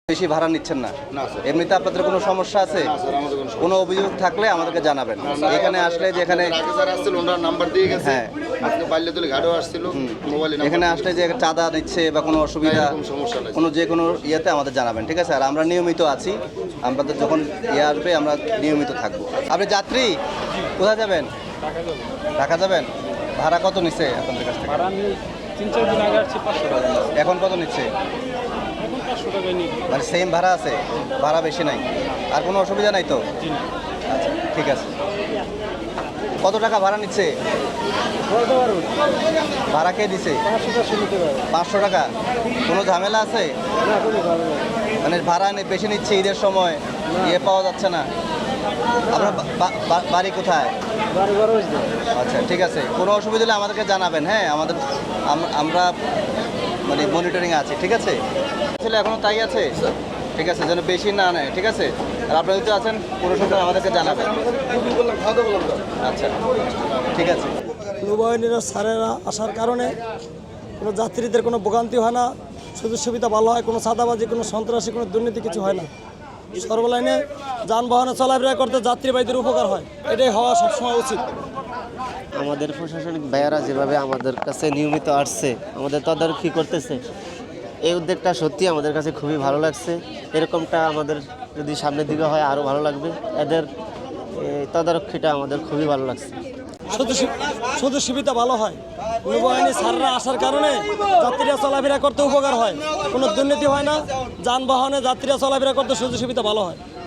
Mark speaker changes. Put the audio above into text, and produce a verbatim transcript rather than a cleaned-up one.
Speaker 1: বেশি ভাড়া নিচ্ছেন না?
Speaker 2: না স্যার।
Speaker 1: এমনিতে আপনাদের কোনো সমস্যা আছে?
Speaker 2: না স্যার, আমাদের কোনো সমস্যা
Speaker 1: কোনো অভিযোগ থাকলে আমাদেরকে জানাবেন। এখানে আসলে যে এখানে
Speaker 2: আগে যারা আসছিল ওনার নাম্বার দিয়ে গেছে।
Speaker 1: হ্যাঁ।
Speaker 2: আজকে বাল্যতলি ঘাটেও আসছিল মোবাইলে নাম্বার
Speaker 1: এখানে
Speaker 2: দিয়ে
Speaker 1: আসলে
Speaker 2: গেছে।
Speaker 1: যে চাঁদা নিচ্ছে বা কোনো অসুবিধা,
Speaker 2: এরকম সমস্যা নাই।
Speaker 1: কোনো যে কোনো ইয়েতে আমাদের জানাবেন, ঠিক আছে? আর আমরা নিয়মিত আছি, আমাদের যখন ইয়ে আসবে আমরা নিয়মিত থাকবো। আপনি যাত্রী, কোথায় যাবেন? ঢাকা যাবেন? ভাড়া কত নিচ্ছে আপনাদের কাছ থেকে?
Speaker 3: ভাড়া আমি তিন চার দিন আগে আসছি পাঁচশো টাকা নিচ্ছি।
Speaker 1: এখন কত নিচ্ছে?
Speaker 3: এখন পাঁচশো টাকায় নিই।
Speaker 1: মানে সেম ভাড়া আছে, ভাড়া বেশি নাই, আর কোনো অসুবিধা নাই তো?
Speaker 3: জি না।
Speaker 1: আচ্ছা, ঠিক আছে। কত টাকা ভাড়া নিচ্ছে?
Speaker 3: বলতে পারবো
Speaker 1: ভাড়া কে দিছে?
Speaker 3: পাঁচশো টাকা নিতে পারবো
Speaker 1: পাঁচশো টাকা? কোনো ঝামেলা আছে?
Speaker 3: না, কোনো ভালো না।
Speaker 1: মানে ভাড়া নে- বেশি নিচ্ছে, ঈদের সময় ইয়ে পাওয়া যাচ্ছে না। আপনার বা- বা- বা- বাড়ি কোথায়?
Speaker 3: বারো বারো হয়েছে।
Speaker 1: আচ্ছা, ঠিক আছে। কোনো অসুবিধা হলে আমাদেরকে জানাবেন, হ্যাঁ? আমাদের আম- আমরা মানে মনিটরিং আছে, ঠিক আছে? আসলে এখনও তাই আছে? ঠিক আছে, যেন বেশি না নেয়, ঠিক আছে? আর আপনারা যদি আছেন পুরো সময় আমাদেরকে জানাবেন।
Speaker 2: বুকিং করলাম, খাওয়া দাওয়া করলাম স্যার।
Speaker 1: আচ্ছা, ঠিক আছে।
Speaker 4: নৌবাহিনীর স্যারেরা আসার কারণে কোনো যাত্রীদের কোনো ভোগান্তি হয় না, সুযোগ সুবিধা ভালো হয়, কোনো চাঁদাবাজি, কোনো সন্ত্রাসী, কোনো দুর্নীতি কিছু হয় না। সর্বলাইনে যানবাহনে চলাফেরা করতে যাত্রীবাহীদের উপকার হয়, এটাই হওয়া সবসময় উচিত।
Speaker 5: আমাদের প্রশাসনিক ভাইয়ারা যেভাবে আমাদের কাছে নিয়মিত আসছে, আমাদের তদারকি করতেছে, এই উদ্যোগটা সত্যি আমাদের কাছে খুবই ভালো লাগছে। এরকমটা আমাদের যদি সামনের দিকে হয় আরও ভালো লাগবে। এদের এই তদারকিটা আমাদের খুবই ভালো লাগছে।
Speaker 4: সুযোগ সু- সুযোগ সুবিধা ভালো হয়, নৌবাহিনী স্যাররা আসার কারণে যাত্রীরা চলাফেরা করতে উপকার হয়, কোনো দুর্নীতি হয় না, যানবাহনে যাত্রীরা চলাফেরা করতে সুযোগ সুবিধা ভালো হয়।